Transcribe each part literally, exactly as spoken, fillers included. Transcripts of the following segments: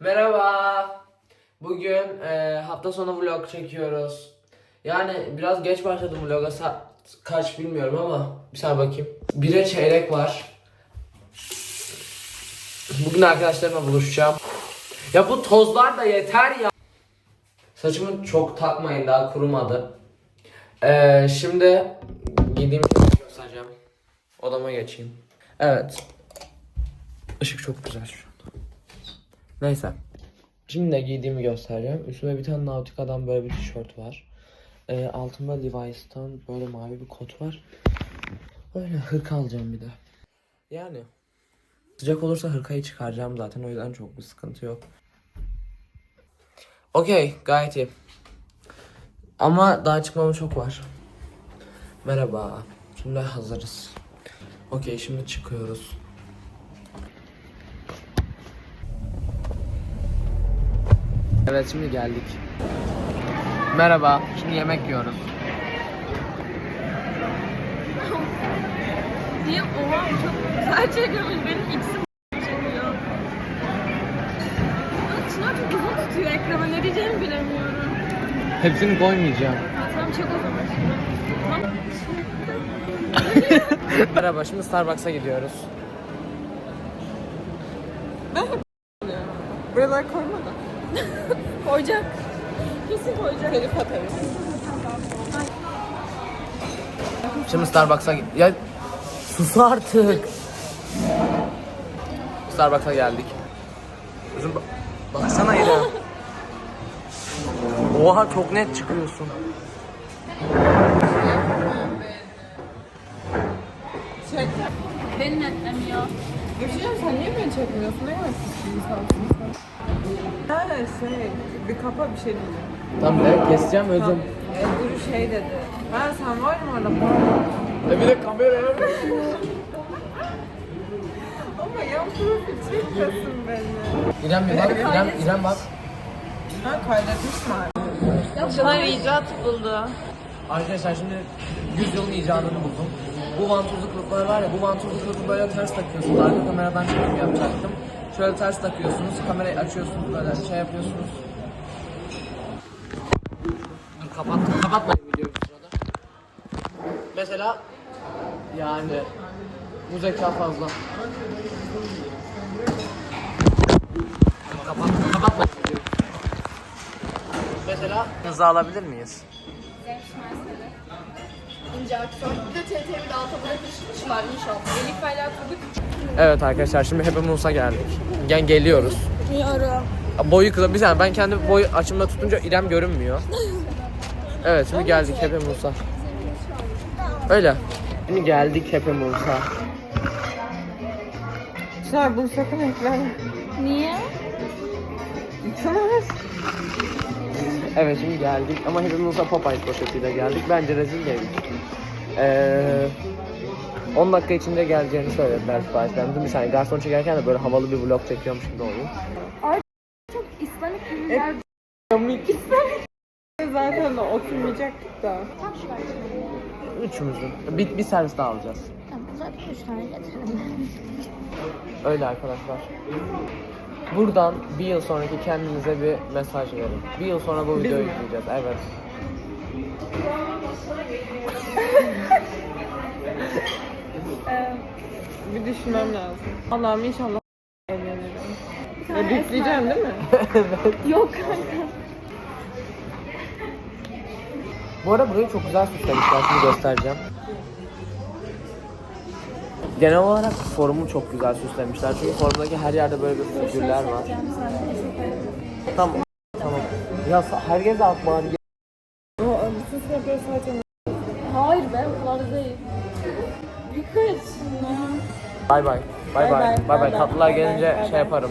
Merhaba. Bugün e, hafta sonu vlog çekiyoruz. Yani biraz geç başladım vloga. Saat kaç bilmiyorum ama bir saniye bakayım. Bire çeyrek var. Bugün arkadaşlarımla buluşacağım. Ya bu tozlar da yeter ya. Saçımı çok takmayın, daha kurumadı. E, şimdi giydiğim şeyleri göstereceğim. Odama geçeyim. Evet. Işık çok güzel şu an. Neyse. Şimdi de giydiğimi göstereceğim. Üstüme bir tane Nautica'dan böyle bir tişört var. Ee, altımda Levi's'tan böyle mavi bir kot var. Öyle hırka alacağım bir de. Yani sıcak olursa hırkayı çıkaracağım zaten, o yüzden çok bir sıkıntı yok. Okey, gayet iyi. Ama daha çıkmama çok var. Merhaba. Şimdi hazırız. Okey, şimdi çıkıyoruz. Evet, şimdi geldik. Merhaba. Şimdi yemek yiyoruz. Diye oha çok güzel çekiyormuş, benim x'im çekiyor. Çınar çok uzun tutuyor ekrana, ne diyeceğimi bilemiyorum. Hepsini koymayacağım. Ha, tamam çek o zaman. Merhaba, şimdi Starbucks'a gidiyoruz. Buralar koymadı. Koyacak. Kesin koyacak. Telif atarız. Şimdi Starbucks'a gi- ya sus artık. Starbucks'a geldik. Kızım ba- baksana İrem. Oha, çok net çıkıyorsun. Çek. Beni netlemiyor. Görüşeceğim, sen niye beni çekmiyorsun? Ne kadar pis bir insansın sen. Ha şey, bir kapa bir şey diyeceğim. Tamam be, keseceğim özüm. E, Duru şey dedi. Ben sen var mı orada? E bir de kameraya. Ama yan profil çekmiyorsun beni. İrem bir bak, İrem, İrem bak. Ha kaydetmiş mi? Çınar icat buldu. Arkadaşlar şimdi yüzyılın icadını buldum. Bu vantuzlu kılıflar var ya, bu vantuzlu kılıfı böyle ters takıyorsunuz. Arka kameradan çekim yapacaktım. Şöyle ters takıyorsunuz, kamerayı açıyorsunuz, böyle şey yapıyorsunuz. Dur kapattım, kapatmayın videoyu bu sırada. Mesela yani bu zeka fazla. Kapattım, kapatmayın videoyu. Mesela hızı alabilir miyiz? İnce aktör. Bir de T T V'de alta bırakmışlar inşallah. Elif Beyler Kubik. Evet arkadaşlar, şimdi Happy Mouse'a geldik. Yani geliyoruz. Biliyorum. Boyu kısa bir saniye, ben kendi boy açımda tutunca İrem görünmüyor. Evet, şimdi geldik Happy Mouse'a. Öyle. Şimdi geldik Happy Mouse'a. Çınar bunu sakın ekleme. Niye? Çınar. Evet, şimdi geldik ama Happy Mouse'a Popeye poşetiyle geldik. Bence rezil geldik. Ee, on dakika içinde geleceğini söylediler siparişlerimizin. Bir saniye, garson çekerken de böyle havalı bir vlog çekiyormuş gibi oluyor. Çok İslamik ürünler. Komik. Zaten de oturmayacaktık da. Tam şu var. Üçümüzün. Bir, bir servis daha alacağız. Tamam, zaten üç tane getirelim. Öyle arkadaşlar. Buradan bir yıl sonraki kendinize bir mesaj verin. Bir yıl sonra bu videoyu yükleyeceğiz. Evet. Ee, bir düşünmem lazım. Allah'ım inşallah evlenirim. Ya bipleyeceğim değil mi? Yok kanka. Bu arada burayı çok güzel süslemişler. Şimdi göstereceğim. Genel olarak forumu çok güzel süslemişler. Çünkü forumdaki her yerde böyle bir figürler var. Tamam. Tamam. Ya sa- herkes de alt bari. O bütün sınıfları sadece Hayır be, o kadar değil. Birkaç. Bay bay. Bay bay. Bay bay. Tatlılar gelince şey yaparım.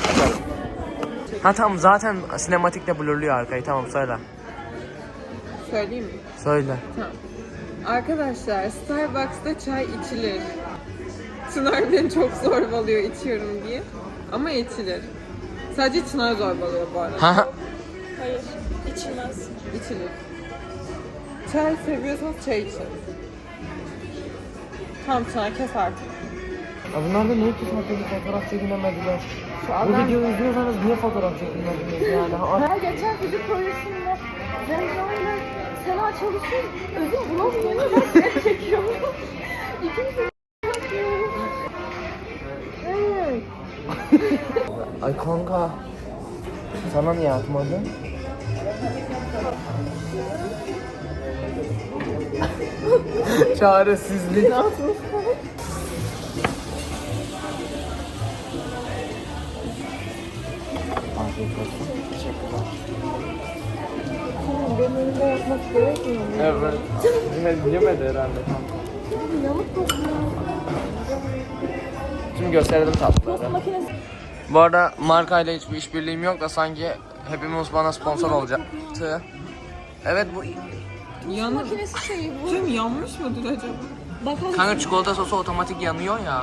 Ha tamam, zaten sinematikle blurluyor arkayı. Tamam, söyle. söyleyeyim mi? Söyle. Tamam. Arkadaşlar Starbucks'ta çay içilir. Çınar beni çok zorbalıyor içiyorum diye. Ama içilir. Sadece Çınar zorbalıyor bu arada. Ha. Hayır, içilmez. İçilir. Çay seviyorsanız çay için. Tamam Çınar kes artık. Ya bunlar da ne iki saatte bir fotoğraf çekinemediler. Şu Bu adam videoyu izliyorsanız niye fotoğraf çekinemediniz yani? Ha, Her geçen fizik projesinde Zemra ile Sena çalışıyor. Özüm bulamıyor. Ben hep çekiyorum. İkimiz Evet. Ay kanka. Sana niye atmadın? Çaresizlik. Afiyet olsun. Teşekkürler. benim önümde yapmak gerekmiyor mu? Evet. Yemedi, yemedi herhalde kanka. Yamuk kokuyor. Şimdi gösterelim tatlıları. Tost makinesi. Bu arada markayla hiçbir işbirliğim yok da sanki hepimiz bana sponsor olacaktı. Evet bu Yanır. Makinesi şeyi bu. Cem yanmış mıdır acaba? Bakalım. kanka çikolata sosu otomatik yanıyor ya.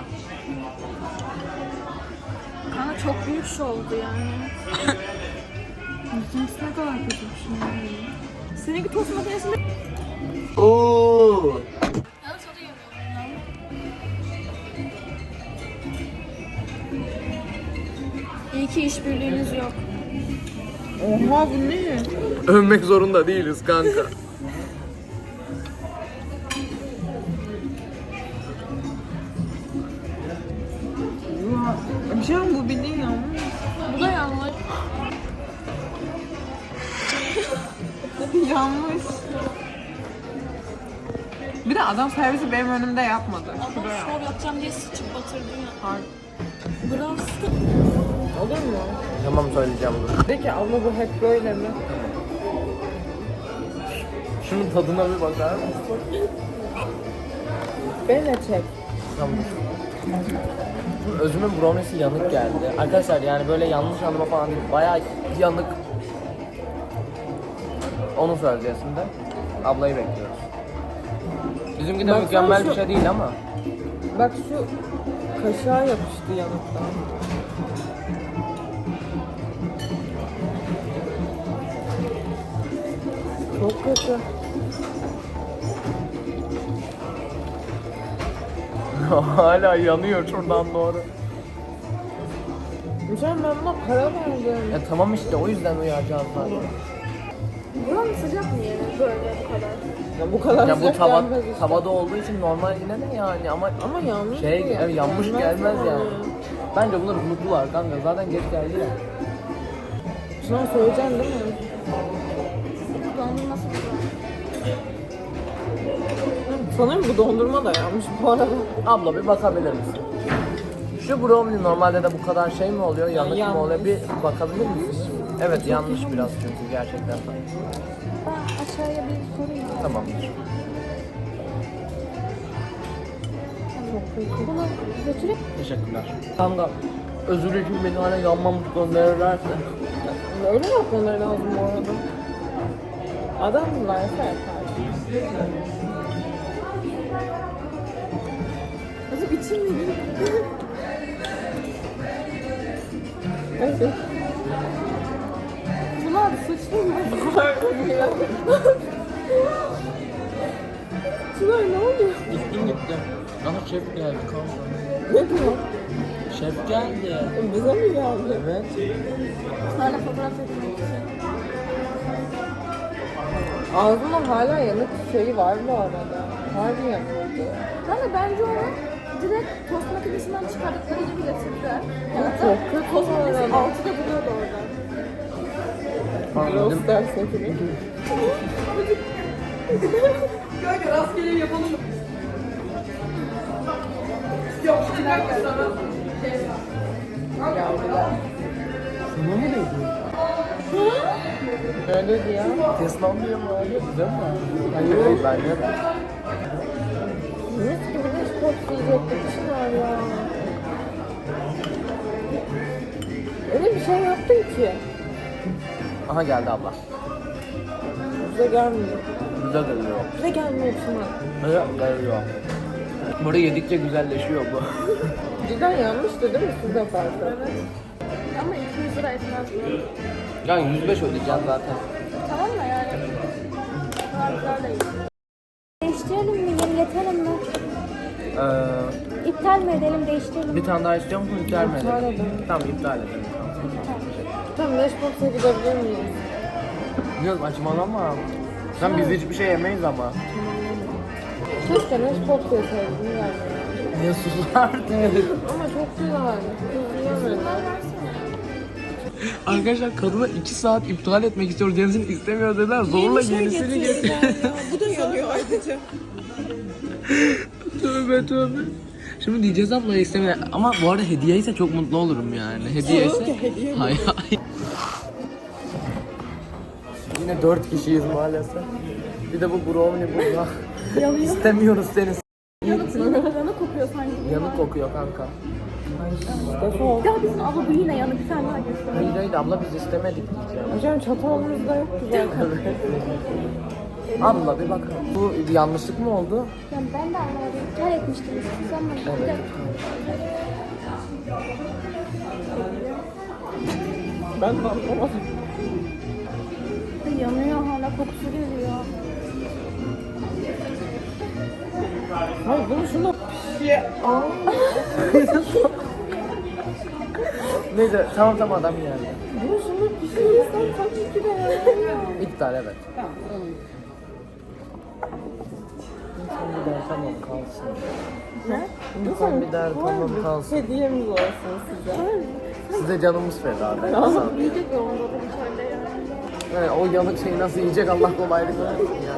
Kanka çok büyük şey oldu yani. Bizimkisi ne kadar kötü bir şey. Seninki tost makinesinde... Oo. Yalnız o da yemiyorum. İyi ki işbirliğiniz yok. Oha bu ne? Övmek zorunda değiliz kanka. Bir şey mi bu bildiğin yanmış? Bu da yanlış. Yanmış. Bir de adam servisi benim önümde yapmadı. Ama Şuraya. şov yapacağım diye sıçıp batırdın ya. Hayır. Bravo. Olur mu? Tamam söyleyeceğim dur. De ki abla bu hep böyle mi? Şunun tadına bir bakar mısın? Beni de çek. Tamam. Şimdi özümün brownie'si yanık geldi. Arkadaşlar yani böyle yanlış anlama falan değil. Bayağı yanık. Onu söyleyeceğiz şimdi. Ablayı bekliyoruz. Bizimki de Baksana mükemmel şu- bir şey değil ama. Bak şu kaşığa yapıştı yanıktan. Çok kötü. Hala yanıyor şuradan doğru. Hocam ben buna para verdim. Ya tamam işte o yüzden uyaracağım zaten. Buranın sıcak mı yeri böyle bu kadar? Ya bu kadar Ya bu sıcak tava, gelmez işte. tavada olduğu için normal yine de yani ama Ama yanlış şey bu ya. evet, yanmış gelmez yani. Bence bunları unuttular kanka zaten geç geldi ya. Şuna söyleyeceksin değil mi? Dondurması güzel. Sanırım bu dondurma da yanmış bu arada. Abla bir bakabilir misin? Şu brownie normalde de bu kadar şey mi oluyor, yanık mı yanlış. oluyor? Bir bakabilir misiniz? Evet yanlış biraz çünkü gerçekten. Ben aşağıya bir sorayım. Tamamdır. Bunu götürüp Teşekkürler. Kanka özür için beni hala yanmamış gönderirlerse. Öyle yapmaları lazım bu arada. Adam varsa yapar. nasıl bitirmedi? Evet. Bunlar sıçtı mı? Şunlar ne oluyor? Gittim gittim. Aha şef geldi kanka. Ne diyor? Şef geldi. Bize mi geldi? Evet. Bunlarla fotoğraf çekmek için. Ağzında hala yanık şeyi var bu arada. Harbi yanıyordu. Kanka bence onu direkt tost makinesinden çıkardıkları gibi getirdiler. Yani çok kötü tost makinesi bu arada. altıda duruyordu orada. Anladım. Roster setini. Kanka rastgele yapalım mı? Sana mı dedi? Öyle dedi ya. Teslanmıyor mu abi? Güzel mi? Hayır hayır bence de. Mis gibi bir spot yiyecektik Çınar ya. Öyle bir şey yaptın ki. Aha geldi abla. Bize gelmiyor. Güzel geliyor. Bize gelmiyor Çınar. Evet geliyor. Burada yedikçe güzelleşiyor bu. Cidden yanmıştı değil mi siz de farkı? Evet. Ama iki yüz lira etmez mi? Yani yüz beş ödeyeceğim zaten. Tamam da yani. Harfler de iyi. Değiştirelim mi? Yeni getirelim mi? Ee, İptal iptal mi edelim, değiştirelim mi? Bir tane daha istiyor musun? İptal mi İptal edelim? edelim. Tamam iptal edelim. Tamam, Lunchbox'a gidebilir miyiz? Yok saçmalama. Sen biz hiçbir şey yemeyiz ama. Keşke Lunchbox yeseydim yani. Niye susardın? Ama çok güzel. Çok yiyemedim. Arkadaşlar kadına iki saat iptal etmek istiyoruz. Yenisini istemiyor dediler. Zorla yenisini getir. Bu da yanıyor ayrıca. Tövbe tövbe. Şimdi diyeceğiz ablaya istemiyor. Ama bu arada hediye ise çok mutlu olurum yani. Hediye ise... ki hediye mi? Hayır hayır. Yine dört kişiyiz maalesef. Bir de bu brownie burada. İstemiyoruz seni. Yanık, yanık kokuyor sanki. Yanık kokuyor kanka. Ya bizim abla bu yine yanık, bir tane daha göster. Hayır hayır abla biz istemedik diyeceğim. Hocam çatalımızda yoktu zaten. Abla bir bak. Bu bir yanlışlık mı oldu? Ya ben de anlamadım. İptal etmiştiniz. Sanmadım. Evet. Ben de anlamadım. Yanıyor hala, kokusu geliyor. Hayır bunu şuna Neyse tamam tamam adam geldi. bunu şuna pişirirsen tabii ki de yani. İptal evet. Lütfen bir der tamam kalsın. Ne? Lütfen bir der tamam kalsın. Hediyemiz olsun size. Size canımız feda be. Sağ ol. Yiyecek ya onda da içeride yani. Yani o yanık şeyi nasıl yiyecek Allah kolaylık versin yani.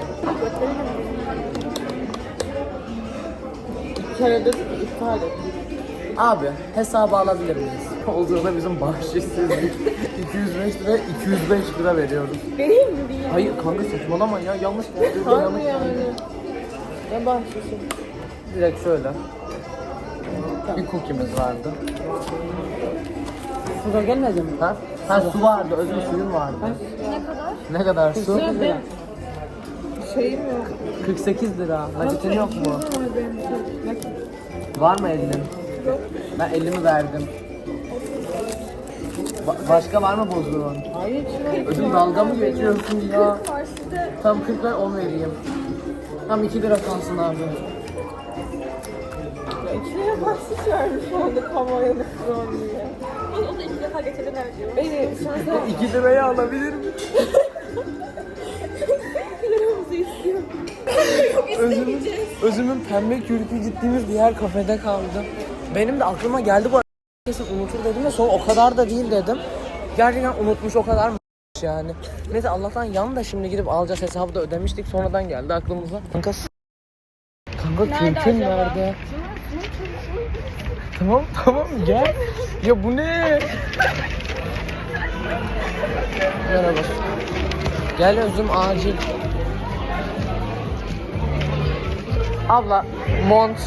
Bir kere dedik ki iptal et. Abi hesabı alabilir miyiz? Olduğunda bizim bahşişsizlik iki yüz beş lira iki yüz beş lira veriyoruz. Vereyim mi diye. Hayır kanka saçmalama ya yanlış geldi. Harbi yanlış yani. geldi. Ne bahşişi? Direkt şöyle. Bir cookie'miz vardı. Sıra gelmedi mi? Ha? Ha su vardı, özür suyun vardı. Ne kadar? Ne kadar su? Sıra benim şeyim yok. kırk sekiz lira. Nakitin yok mu? Var benim. Nakit. Var mı elinin? Yok. Ben elimi verdim. Ba- başka var mı bozduğun? Hayır içine Özüm dalga mı geçiyorsun ya? Karşıda Tam kırk ver on vereyim. Tam iki lira kalsın abi. İçine bahşiş vermiş oldu kamuoyunu kron diye. o da iki defa getirdiler diyor. Beni şansa iki liraya alabilir miyim? Liramızı istiyor. Özümün, özümün pembe kürkü gittiğimiz diğer kafede kaldı. Benim de aklıma geldi bu arada. Kesin unutur dedim de sonra o kadar da değil dedim. Gerçekten unutmuş o kadar mı yani. Neyse Allah'tan yan da şimdi gidip alacağız, hesabı da ödemiştik sonradan geldi aklımıza. Kanka s- Kanka kürkün nerede? Tamam tamam gel. Ya bu ne? Merhaba. Gel Özüm acil. Abla mont.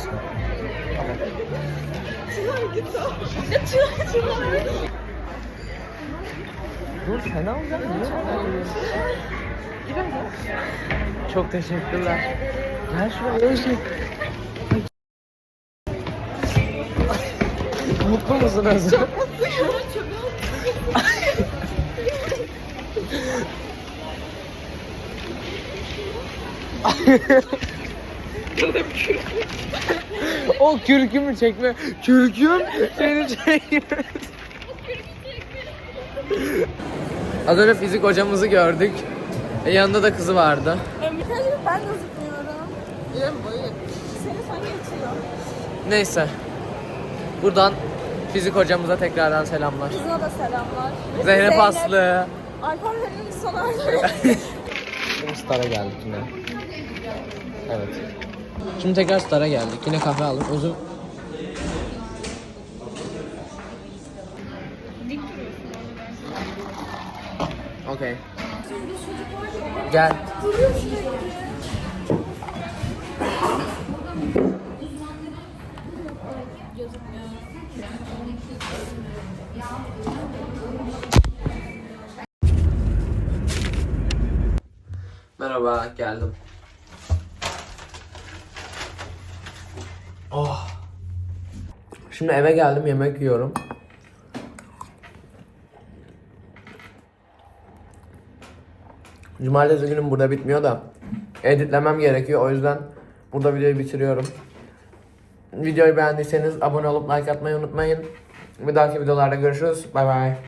Dur sen alacaksın. Çok teşekkürler. Gel şuraya Özüm. Mutlu musun Özüm? Çok mutluyum. O kürkümü çekme. Kürküm seni çekme. Az önce fizik hocamızı gördük. E, yanında da kızı vardı. Ben gözükmüyorum. İrem boyu. Seni sen geçiyor. Neyse. Buradan fizik hocamıza tekrardan selamlar. Kızına da selamlar. Zeynep Aslı. Alfabenin son harfi. Star'a geldik yine. Evet. Şimdi tekrar Star'a geldik. Yine kahve aldık. Özüm. Okey. Gel. Merhaba, geldim. Oh. Şimdi eve geldim, yemek yiyorum. Cumartesi günüm burada bitmiyor da editlemem gerekiyor, o yüzden burada videoyu bitiriyorum. Videoyu beğendiyseniz abone olup like atmayı unutmayın. Bir dahaki videolarda görüşürüz. Bay bay.